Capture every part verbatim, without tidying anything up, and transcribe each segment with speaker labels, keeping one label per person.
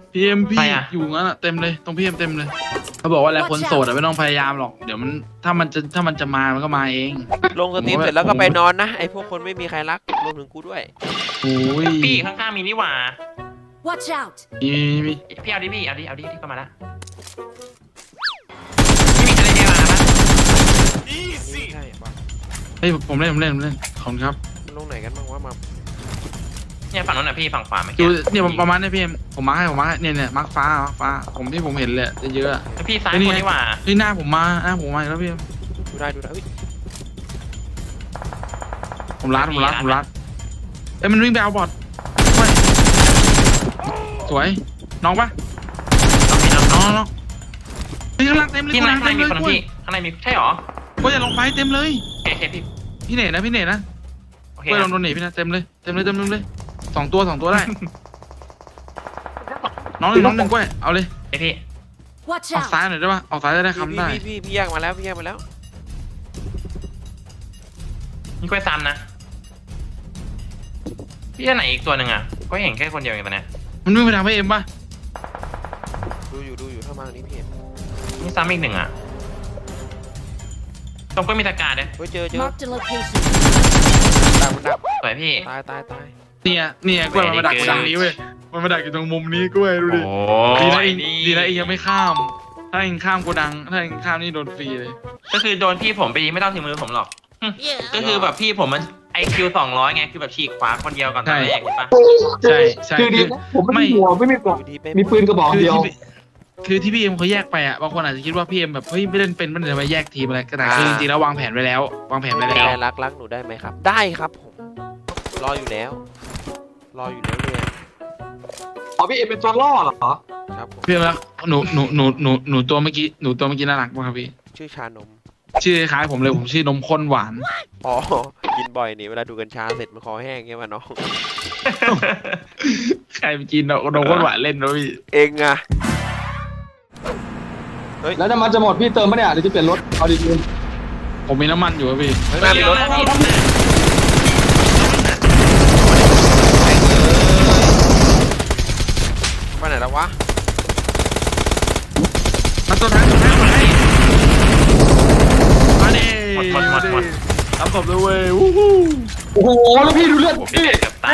Speaker 1: พีเอ็มพี่อยู่งั้นอะเต็มเลยตรงพีเอ็มเต็มเลยเขาบอกว่าอะไรคนโสดอะไม่ต้องพยายามหรอกเดี๋ยวมันถ้ามันจะถ้ามันจะมามันก็มาเอง
Speaker 2: ลงสตรีมเสร็จแล้วก็ไปนอนนะไอพวกคนไม่มีใครรักรวมถึงกูด้วย
Speaker 1: โอ้ย
Speaker 3: พี่ข้างๆมีนี่หว่า
Speaker 4: Watch out
Speaker 1: มีมี
Speaker 3: พี่เอาดิพี่เอาดิเอาดิที่เข้ามาละพี่มีอะไรเดียวมาปะ
Speaker 2: ใช่ปะ
Speaker 1: เฮ้ยผมเล่นผมเล่นผมเล่นขอบคุณครับ
Speaker 2: มันลงไหนกันบ้างวะมา
Speaker 3: เนี่ยฝั่งนู้นน่ะพี่ฝั่งขวาไม่
Speaker 1: ดู
Speaker 3: เกี่ยว
Speaker 1: เนี่ยประมาณนี้พี่เอ็มผมมาร์คให้ผมมาร์คให้เนี่ยเนี่ยมาร์คฟ้ามาร์คฟ้าผมที่ผมเห็นเลยเยอะๆ
Speaker 3: พี่ซ้ายคนนี่หว่า
Speaker 1: นี่หน้าผมมาหน้าผมมาแล้วพี่
Speaker 2: ดูได้ดูได้
Speaker 1: ผมรัดผมรัดผมรัดเอ้ยมันวิ่งไปเอาบอทสวยน้องปะ
Speaker 3: พี่น้อง
Speaker 1: น้องน้องพี่ข้างล่างเต็มเลย
Speaker 3: พี่ข้างในมีคน
Speaker 1: กล้วย
Speaker 3: พี่ข้างในมีใช่หรอ
Speaker 1: กล้วยอย่าลงไปเต็มเลย
Speaker 3: โอเคพี่
Speaker 1: พี่เน่นะพี่เน่นะ
Speaker 3: โอเค
Speaker 1: กล้วยลองโดนหนีพี่นะเต็มเลยเต็มเลยเต็มเลยสองตัวสองตัวได้น้องหนึ่งน้องหนึ่งกล้วยเอาเลย
Speaker 3: ไอพี่
Speaker 4: Watch
Speaker 1: ออก
Speaker 4: out
Speaker 1: ซ้ายหน่อยได้ปะออกซ้ายจะได้คำได้
Speaker 2: พี่พี่พี่แยกมาแล้วพี่แยกมาแล้ว
Speaker 3: มีกล้วยซ้ำนะพี่อันไหนอีกตัวหนึ่งอ่ะก็เห็นแค่คนเดียวเองตอนนี้
Speaker 1: มันวิ่งไปทางพี่เอ็มปะ
Speaker 2: ดูอยู่ดูอยู่ถ้ามานี้พี่เห็น
Speaker 3: มีซ้ำอีกหนึ่งอ่ะตรงก็มีตะการเลย
Speaker 2: เฮ้ยเจอเจอ
Speaker 4: Marked a location
Speaker 2: ดักมันดัก
Speaker 3: สวยพี่
Speaker 2: ตายตายตาย
Speaker 1: เนี่ยเนี่ยกล้วยมันมาดักอยู่ตรงนี้เว้ยมันมาดักอยู่ตรงมุมนี้กล้วยดูดิ
Speaker 3: โอ้
Speaker 1: ดีนะ
Speaker 3: ย
Speaker 1: เอง
Speaker 3: นี่
Speaker 1: ดีนะเองยังไม่ข้าม ถ้าเองข้ามโกดัง ถ้าเองข้ามนี่โดนฟรีเลย
Speaker 3: ก็คือโดนพี่ผมไปดีไม่ต้องถึงมือผมหรอกก็คือแบบพี่ผมมันไอคิวสองร้อยไงคือแบบฉีกขวาคนเดียวก่อนตอนแรกเห็นปะ
Speaker 1: ใช่ใช่
Speaker 5: คือดีนะผมไม่มีหัวไม่มีกรอบ
Speaker 2: ดูดีไป
Speaker 5: มีปืนกระบอก
Speaker 1: คือ
Speaker 5: เดียว
Speaker 1: ที่คือที่พี่เอ็มเขาแยกไปอ่ะ บางคนอาจจะคิดว่าพี่เอ็มแบบเฮ้ยไม่เล่นเป็นไม่ได้มาแยกทีมอะไรก็แต่คือจริงๆแล้ววางแผนไว้แล้ว วางแผนไว้
Speaker 2: ไม่
Speaker 1: แล้ว
Speaker 2: ได้รักรักหนูได้ไหมครับ ได้ครับผมรออยู่แล้ว รออยู่แล้วเลย
Speaker 5: อ๋อพี่เอ็มเป็นตัวล่อเหรอ
Speaker 2: ครับผม
Speaker 1: พี่เอ็มแล้วหนูหนูหนูหนูหนูตัวเมื่อกี้หนูตัวเมื่อกี้น่ารักมากครับพี่
Speaker 2: ชื่อชานม
Speaker 1: ชื่อคล้ายผมเลยผมชื่อนมข้นหวาน
Speaker 2: อ๋อกินบ่อยนี่เวลาดูกัญชาเสร็จมันคอแห้งเงี้ยมาน้อง
Speaker 1: ใครไปกินนมข้นหวานเล่นนะพี่
Speaker 2: เองอะ
Speaker 5: แล้วน้ำมันจะหมดพี่เติมปะเนี่ยเดี๋ยวจะเปลี่ยนรถเอาดี
Speaker 1: ผมมีน้ำมันอยู่ครับพี่
Speaker 2: ข้างหน้ามีรถ
Speaker 3: พี่
Speaker 2: ไปไหนแล้ววะ
Speaker 1: มาตัวท้ายตัวท้ายตัวท้ายมาดิ
Speaker 3: หมดหมดหมดหมด
Speaker 1: ทำศพเลยเว้ยวู้ฮู้
Speaker 5: ๆโอ้โหแล้วพี่ดูเลือด
Speaker 3: ผม
Speaker 5: พี่
Speaker 3: เกือบตาย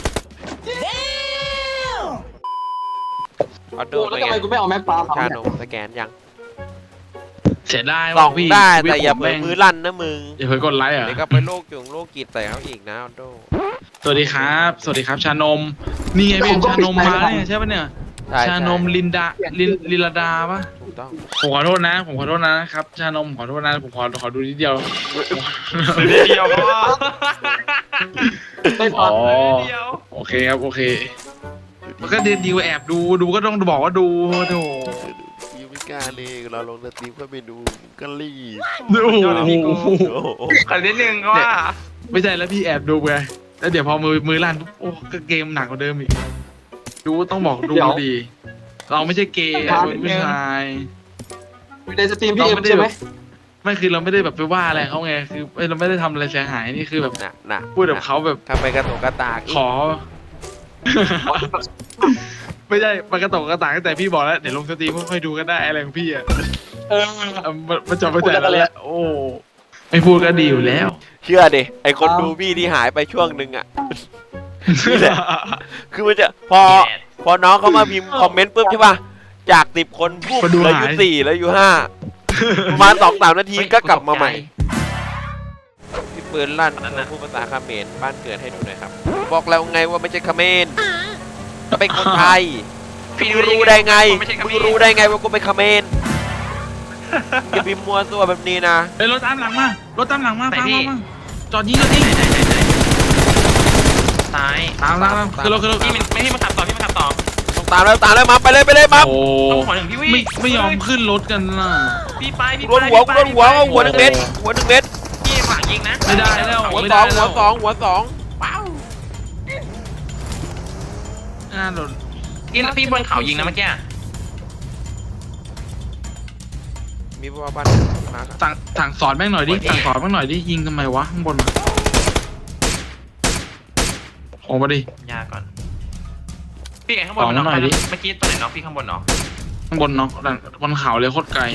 Speaker 2: ออโด
Speaker 5: โอ้แล้วทำไมกูไม่เอาแม็กปาล์ม
Speaker 2: ชานมสแกนยัง
Speaker 1: เสียดาย
Speaker 2: ส่
Speaker 1: ว่ะ
Speaker 2: อง
Speaker 1: พี่
Speaker 2: ได้
Speaker 1: ชีวิ
Speaker 2: แต่อย่า
Speaker 1: ผ
Speaker 2: เผลอ
Speaker 1: แม่ง
Speaker 2: มือลั่นนะมึง
Speaker 1: อย่าเผลอกดไลค์อ่ะ
Speaker 2: เดี๋ยวก็ไปโรคจุงโรคจิตใส่เขาอีกนะออโด
Speaker 1: สวัสดีครับ สวัสดีครับชานม นี่ไงพี่ชานมมาเนี่ยใช่ปะเนี่ย
Speaker 2: ใช่
Speaker 1: ชานมลินดาลินลิลาดาปะ
Speaker 2: ถูกต้อง
Speaker 1: ผมขอโทษนะ ผมขอโทษนะครับ ชานมขอโทษนะ ผมขอขอดูนิดเดียว
Speaker 3: เดียวก็
Speaker 5: ได้ปา
Speaker 1: อ๋
Speaker 5: ล์
Speaker 1: อ
Speaker 5: ม
Speaker 3: เดียว
Speaker 1: โอเคครับ โอเค มันก็ดีดีกว่าแอบดู ดูก็ต้องบอกว่าดูโถ
Speaker 2: ยูมิก้าเลยเราลงสตรีมก็ไปดูก็รีบ
Speaker 1: โอ้โห
Speaker 3: ขอนิดนึงว่า
Speaker 1: ไม่ใช่แล้วพี่แอบดูไงแล้วเดี๋ยวพอมือมือลั่นปุ๊บโอ้ก็เกมหนักกว่าเดิมอีก ดูต้องบอกดูดี เราไม่ใช่เกย์อะเราเป็นผู้ชาย
Speaker 5: อยู่ในสตรีมพี่เอ็มใช่ไหม
Speaker 1: ไม่คือเราไม่ได้แบบไปว่าอะไรเขาไงคือเอ้ยเราไม่ได้ทำอะไรเสียหายนี่คือแบบ
Speaker 2: น่ะน่ะ
Speaker 1: พูดกับเขาแบบ
Speaker 2: ทำไปกระตุกกระตากอีก
Speaker 1: ขอ ไม่ใช่มันกระตกกระตากแต่พี่บอกแล้วเดี๋ยวลงสตรีมค่อยๆดูกันได้อะไรของพี่อ่ะ
Speaker 5: เออ
Speaker 1: เอามันมันจบไปแต่ละแล้วโอ้ไม่พูดก็ดีอยู่แล้ว
Speaker 2: เชื่อดิไอคนดูพี่ที่หายไปช่วงหนึ่งอ่ะ นี่แหละ คือมันจะพอพอน้องเขามาพิมพ์คอมเมนต์ปุ๊บใช่ป่ะจากสิบคนปุ๊บ
Speaker 1: คนดู
Speaker 2: เหลืออยู่
Speaker 1: หาย
Speaker 2: สี่แล้วอยู่ห้าประมาณสองสามนาทีก็กลับมาใหม่พี่ปืนลั่นพูดภาษาเขมรบ้านเกิดให้ดูหน่อยครับ บอกแล้วไงว่าไม่ใช่เขมรเป็นคนไทย
Speaker 3: พี่
Speaker 2: มึงรู้ได้ไง
Speaker 3: ไม่ใช่
Speaker 2: มึงรู้ได้ไงว่ากูเป็นเขมรอย่าพิมพ์มัวตัวแบบนี้นะ
Speaker 1: เฮ้ยรถตามหลังมารถตามหลังมา
Speaker 3: ไหน
Speaker 1: ตาม
Speaker 3: พี่
Speaker 1: มาจอดยิงจอดยิง
Speaker 3: ซ้าย
Speaker 1: ตามตามตามคือรถคือรถ
Speaker 3: พี่มันไม่ให้มาขับต่อพี่มาขับต่อ
Speaker 2: ต้องตามแล้วตามแล้วมาไปเลยไปเลยมา
Speaker 1: โอ้
Speaker 3: ต้องหัวหนึ่งพี่วิ่ง
Speaker 1: ไม่ไม่ยอมขึ้นรถกันล่ะ
Speaker 3: พี่ไปพี่
Speaker 2: โดนหัวกูโดนหัวหัวหนึ่งเม็ดหัวหนึ่งเม็ด
Speaker 3: พี่ฝากยิงนะ
Speaker 1: ไม่ได้แล้ว
Speaker 2: หัว
Speaker 1: ไม่
Speaker 2: ส
Speaker 1: ได้
Speaker 2: องหั
Speaker 1: แล้ว ว
Speaker 2: สองหัวสอง
Speaker 1: อ่าโดน
Speaker 3: พี่พี่บนเขายิงนะเมื่อกี้
Speaker 2: มีบ้านบ้านมาครับ
Speaker 1: สั่งสั่งสอนแม่งหน่อยดิสั่งสอนแม่งหน่อยดิยิงทำไมวะข้างบนออกมาดิ
Speaker 3: ยาก่อน พี่พี่ไก่ข้างบนมันน็อก
Speaker 1: ต่อมาหน่อยดิ
Speaker 3: เมื่อกี้ตัวไหนน็อกพี่ข้างบนน็อก
Speaker 1: ข้างบนเนาะด้านบนเขาเลยโคตรไกล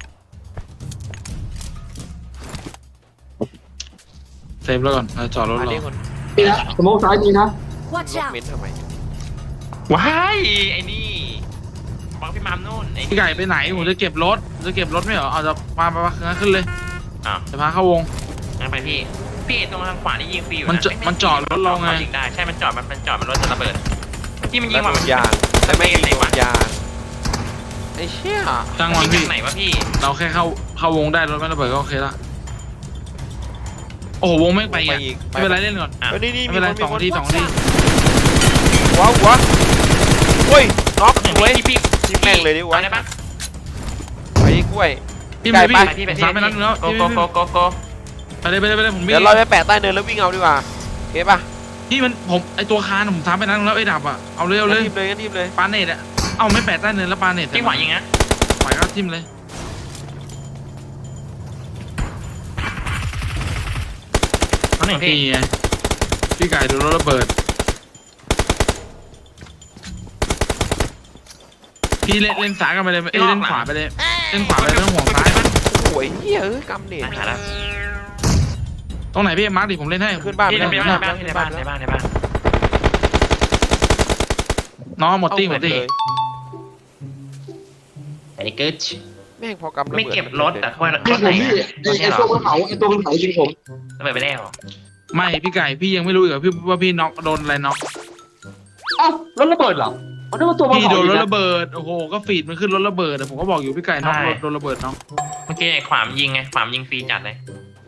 Speaker 1: เซฟแล้วก่อนเราจอดรถ
Speaker 2: มา
Speaker 1: เรา
Speaker 2: เรียกคน
Speaker 5: นี่นะสโมกซ้ายมีนะ
Speaker 4: Watch
Speaker 2: ลบ
Speaker 4: out!
Speaker 2: เม้นทำไม
Speaker 3: ว้ายไอ้นี่บังพี่มามนู่นไอ้นี่
Speaker 1: พี่ไก่ไปไหนผมจะเก็บรถจะเก็บรถไม่เหรอเอาจะมาไปมาขึ้นเลย
Speaker 3: อ้าว
Speaker 1: จะพาเข้าวง
Speaker 3: งั้นไปพี่พี่ตรงทางขวานี่ยิงฟรีอยู่
Speaker 1: มันจะ
Speaker 3: ไไ
Speaker 1: มันจอดรถเราไง
Speaker 3: ยิงได้ใช่มันจอดมันมันจอดมันรถจะระเบิดที่มันยิ
Speaker 2: แล้
Speaker 3: ง
Speaker 2: ว
Speaker 3: ว่ะ
Speaker 2: โดนยางแต่ไม่ยิงโดนยางไอ้เชี่ย
Speaker 1: จ้าง
Speaker 3: มั
Speaker 1: วัน น
Speaker 3: ยิง
Speaker 1: พี่
Speaker 3: จากไหนวะพี่
Speaker 1: เราแค่เข้าเข้าวงได้รถไม่ระเบิดก็โอเคละโอ้โหวงไม่ไป
Speaker 2: ไป
Speaker 1: อ่ะ
Speaker 2: อีก
Speaker 1: ไม่เป็นไรเล่นก่อน
Speaker 3: อ่ะ
Speaker 2: เฮ้ยนี่นี่
Speaker 1: ไม่
Speaker 2: มี
Speaker 1: เป็น
Speaker 2: ค
Speaker 1: ไร
Speaker 2: นมี
Speaker 1: สอง
Speaker 2: คน
Speaker 1: ทีสองที
Speaker 2: หัวหัวโอ้ยน็อก
Speaker 3: หนึ่ง
Speaker 2: เว้ย
Speaker 3: พี่พี่
Speaker 2: ยิงแม่งเลยดิวะ
Speaker 3: อาได้ปะ
Speaker 2: ไปกล้วย
Speaker 1: พี่
Speaker 2: ไก่
Speaker 1: ไป
Speaker 2: ไป
Speaker 1: พี่
Speaker 3: ไปพี่ไป
Speaker 1: สามไปนั้นแล้ว
Speaker 3: โก
Speaker 1: พี่
Speaker 3: โกโกโกโก
Speaker 1: ไปเลยไปเลยไปเลยผมวิ่
Speaker 2: เดี๋ยว
Speaker 1: ง
Speaker 2: เราไปแปะใต้เนินแล้ววิ่งเอาดีกว่าโอเคป่ะ
Speaker 1: พี่มันผมไอตัวคานผมสามไปนั้นแล้วไอ้ดับอ่ะเอาเลยเอาเลย
Speaker 2: งั้นทีมเลยงั้นทีมเลย
Speaker 1: ปาเนตอ่ะเอาไม่แปะใต้เนินแล้วปาเนต
Speaker 3: พี่ขวายิงนะ
Speaker 1: ขวาก็ทิ่มเลย
Speaker 3: เอาหนึ่งพี่
Speaker 1: นี่ไงพี่ไก่โดนรถระเบิดพี่เล่นเล่นซ้ายกันไปเลยเอ้ยเล่นขวาไปเลยเล่นขวาไปเลยไม่ต้องห่วงซ้าย
Speaker 2: โอ้ยเฮ้ยเอ้ยกำเนิด
Speaker 3: หายแล้ว
Speaker 1: ตรงไหนพี่มาร์คดิผมเล่นให้
Speaker 2: ขึ้นบ้าน
Speaker 3: พี่
Speaker 2: ไป
Speaker 3: ใน
Speaker 2: แล้ว
Speaker 3: บ้านในบ้านในบ้านในบ้านในบ้าน
Speaker 1: น้องหมดตี้หมดตี้
Speaker 2: เลย
Speaker 3: ไอ้เกิร์ช
Speaker 2: แม่งพอกำระบิด
Speaker 3: ไม่เก็บรถแต่ว่าร
Speaker 5: พี่
Speaker 3: ถ
Speaker 5: ผ
Speaker 3: ไหน
Speaker 5: มพี่ไอ้ไอ้ตัวบนเขาไอ้ตัวบนเขายิงผม
Speaker 3: ระเบิดไปแล้ว
Speaker 1: ไม่พี่ไก่พี่ยังไม่รู้อีกเหรอพี่ว่าพี่น็อกโดนอะไรน็อก
Speaker 5: เอ้ารถระเบิดเหรอเอาได้ว่าตัวบน
Speaker 1: พี่
Speaker 5: เขา
Speaker 1: โดนรถ
Speaker 5: ยิง
Speaker 1: ระเบิดโอ้โหก็ฟีดมันขึ้นรถระเบิดแต่ผมก็บอกอยู่พี่ไก่น็อกรถโดนระเบิดน็อก
Speaker 3: เมื่อกี้ไอ้ขวามยิงไงขวามยิงฟรีจัดเลย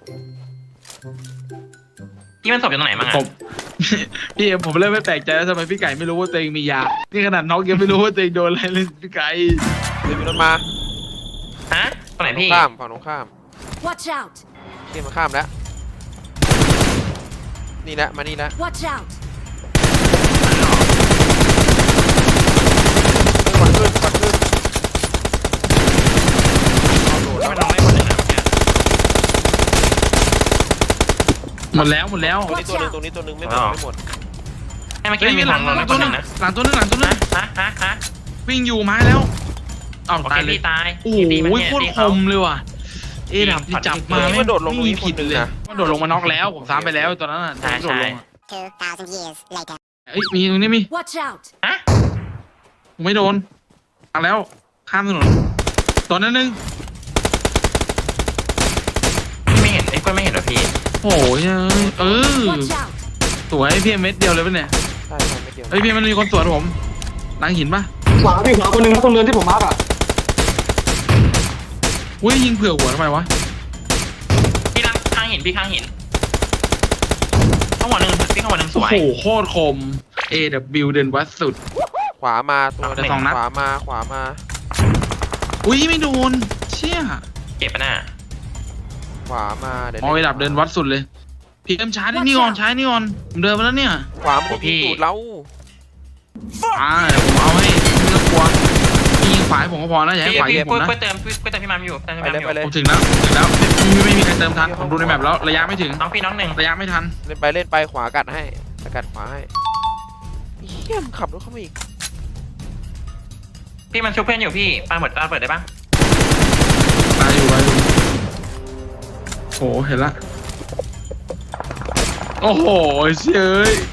Speaker 3: ที่มันศพอยู่ตรงไหนบ้าง
Speaker 1: ผ
Speaker 3: อ่ะ
Speaker 1: ม พี่ผมเริ่มไม่แปลกใจแล้วทำไมพี่ไก่ไม่รู้ว่าตัวเองมียานี่ขนาดน็อกยังไม่รู้ว่าตัวเองโดนอะไรเลยพี่ไก่
Speaker 2: เดี๋ยวมีรถมา
Speaker 3: ฮะตรงไหน
Speaker 2: ฝั่งตร
Speaker 3: พี่
Speaker 2: งข้ามฝั่งตรงข้าม
Speaker 4: Watch out!
Speaker 2: เที่ยมาข้ามแล้วนี่แหละมานี่แล้ว
Speaker 4: Watch out!
Speaker 2: เฮ้ยก่อนขึ้นก่อนขึ้นเอาโดด
Speaker 3: ที่
Speaker 2: แล้ว
Speaker 3: มันลงได้คนหนึ่งนะเมื่อกี้
Speaker 1: หมดแล้วหมดแล้ว
Speaker 2: ตรงนี้ตัวหนึงตรงนี้ตัวหนึงไม่หมดไม่หมด
Speaker 3: ให้เมื่อกี้
Speaker 1: เฮ้ย
Speaker 3: มันมี
Speaker 1: ห
Speaker 3: ข
Speaker 1: ลั
Speaker 3: อง
Speaker 1: ง
Speaker 3: ลงได้
Speaker 1: ตั
Speaker 3: ค
Speaker 1: วน ห
Speaker 3: ห
Speaker 1: นึ
Speaker 3: นึ่
Speaker 1: ง
Speaker 3: งนะ
Speaker 1: หลังตัวหนึงหลังตัวหนึง
Speaker 3: ฮะฮะฮะฮะ
Speaker 1: วิ่งอยู่ไม้แล้วอ้าว
Speaker 3: โอ
Speaker 1: ตา
Speaker 3: เค
Speaker 1: ยเลย
Speaker 3: พี่ตาย
Speaker 1: โอ้โห
Speaker 3: พี่ตีมัน
Speaker 1: โค
Speaker 3: เนี่ย
Speaker 1: ตร
Speaker 3: ตี
Speaker 1: ค
Speaker 3: เขา
Speaker 1: มเลยว่ะเอ็ดับที่จับมา
Speaker 2: นี่มันโดดลงตรงนี้
Speaker 1: ไม่มีผิด
Speaker 2: คนหนึ่ง
Speaker 1: เลย
Speaker 2: นะ
Speaker 1: มันโดดลงมาน็อกแล้วผมซ้ำไปแล้วตอนนั้นน่ะ
Speaker 3: ใช่
Speaker 1: โดดลงอะ
Speaker 6: Two thousand years later.
Speaker 1: เอ้ยมีตรงนี้มี
Speaker 4: Watch out!
Speaker 3: ฮะ
Speaker 1: ผมไม่โดนมาแล้วข้ามถนนตอนนั้นนึง
Speaker 3: พี่ไม่เห็นไอ้กล้วยไม่เห็นเหรอพี่
Speaker 1: โอ้ยเออ
Speaker 4: Watch out!
Speaker 1: สวยพี่เม็ดเดียวเลยปะเนี่ย
Speaker 2: ใช่ใช่ไม่เกี่ยว
Speaker 1: เฮ้ยพี่มันมีคนสวนผมหลังหินปะ
Speaker 5: ขวาพี่ขวาคนหนึ่งนะตรงเนินที่ผมมาร์กอ่ะ
Speaker 1: อุ้ยยิงเผื่อหัวทำไมวะ
Speaker 3: พี่ข้างข้างหินพี่ข้างหินข้างหัวหนึ่งพี่ข้างหัวหนึ่งส
Speaker 1: โอ้
Speaker 3: วย
Speaker 1: โหโคตรคม A W เดินวัดสุด
Speaker 2: ขวามาตัว
Speaker 1: แต่สองนัด
Speaker 2: ขวามาขวามา
Speaker 1: อุ้ยไม่โดนเชี่ย
Speaker 3: เจ็บปะน่ะ
Speaker 2: ขวามาเดี๋ยว
Speaker 1: มอระดับเดินวัดสุดเลยพี่เอ็มช้าดินี่ก่อนช้านี่ก่อนผมเดินมาแล้วเนี่ย
Speaker 2: ขวามันจะยิงตูดเรา
Speaker 1: อ่าเดี๋ยวผมเอาให้ไม่ต้องกลัวพี่ยิงขวาให้ผมก็พอนะอย่าให้
Speaker 3: พี่
Speaker 1: ขวา
Speaker 3: พี่
Speaker 1: ยิงผ
Speaker 3: กล้วย
Speaker 1: มนะ
Speaker 3: กล้วยเติมกล้วยเติมพี่มามอยู่เติมพี่
Speaker 2: ไป
Speaker 3: มาม
Speaker 2: เลย
Speaker 3: อยู่
Speaker 2: ไปเลย
Speaker 1: ผมถึงแล้วถึงแล้วไม่ไม่มีใครเติมทันผมดูในแมปแล้วระยะไม่ถึง
Speaker 3: น้องพี่น้องหนึ่ง
Speaker 1: ระยะไม่ทัน
Speaker 2: เล่นไปเล่นไปขวากัดให้สกัดขวาให้เฮี้ยมนขับรถเข้ามาอีก
Speaker 3: พี่มันชุบเพื่อนอยู่พี่ปาหมดปาเปิดได้ปะ
Speaker 1: ตายอยู่ตายอยู่โอ้โหเห็นละโอ้โหเชยเอ้ย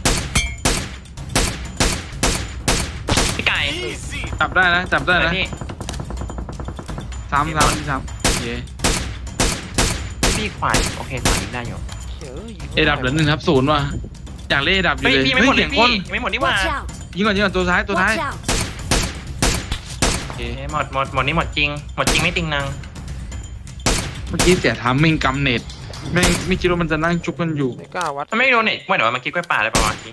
Speaker 3: พี่ไก่
Speaker 1: จับได้นะจับได้
Speaker 3: เปิด
Speaker 1: นะ
Speaker 3: พี่
Speaker 1: สามสามสามโอเค
Speaker 3: พี่ขวานโอเคขวานยิงได้อยู่
Speaker 2: เฮ้ย
Speaker 1: เอดับเหลือหนึ่งครับศูนย์ว่ะอยากเล่นเอดับอยู่
Speaker 3: เฮ้ย
Speaker 1: เลย
Speaker 3: พี่ไม่หมดเล
Speaker 1: เสี
Speaker 3: ย
Speaker 1: ยง
Speaker 3: พี่
Speaker 1: คน
Speaker 3: ไม่หมดนี่หว่า
Speaker 4: Watch out!
Speaker 1: ยิงก่อนยิงก่อนตัวท้ายตัวท้าย
Speaker 4: Watch out!
Speaker 1: โอเค
Speaker 3: เอ้ยหมดหมดหมดนี่หมดจริงหมดจริงไม่ติงนัง
Speaker 1: เมื่อกี้เสียทามมิ่งกำเน็ตไม่ไม่คิดว่ามันจะนั่งจุกกันอยู่
Speaker 2: ไม่กล้าวัด
Speaker 3: มันไม่โดนเน็ตว่าเดี๋ยวเมื่อกี้กล้วยป่าอะไรประมาณนี้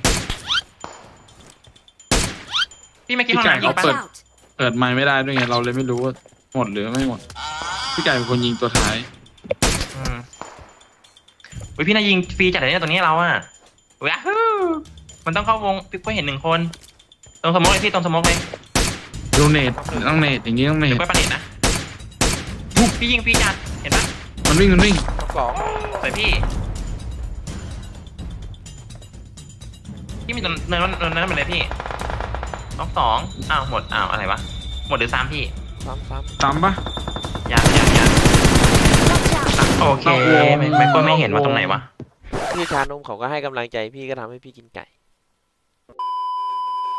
Speaker 3: พี่เมื่อกี้ห้องน้ำยิง
Speaker 4: Watch
Speaker 3: ปะ
Speaker 4: out!
Speaker 1: เปิดไมค์ไม่ได้ด้วยไงเราเลยไม่รู้ว่าหมดหรือไม่หมดพี่ไก่เป็นคนยิงตัวท้าย
Speaker 3: อืมอุ้ยพี่นายยิงฟรีจัดเลยเนี่ยตรงนี้เราอะว้าวมันต้องเข้าวงพี่กล้วยเห็นหนึ่งคนตรงสมมติเลยพี่ตรงสมมติเลย
Speaker 1: ดูเน็ตต้องเน็ตอย่างงี้ต้องเน็
Speaker 3: เดี๋ย
Speaker 1: ต
Speaker 3: วกล้วยปาเน็ตนะพี่ยิงฟรีจัดเห็นปะ
Speaker 1: มันวิ่งมันวิ่ง
Speaker 2: ท็อปสอง
Speaker 3: สวยพี่พี่มีตรงเนินนั้นเนินนั้นหมดเลยพี่น้องสองอ้าวหมดอ้าวอะไรวะหมดหรือซ้ำพี่
Speaker 2: ซ้ำซ้
Speaker 1: ตามปะ
Speaker 3: ยังยังยัง
Speaker 4: Watch out!
Speaker 3: โอเคไม่ไม่ก็ไม่เห็นว่าตรงไหนวะ
Speaker 2: ำพี่ชานมเขาก็ให้กำลังใจพี่ก็ทำให้พี่กินไก่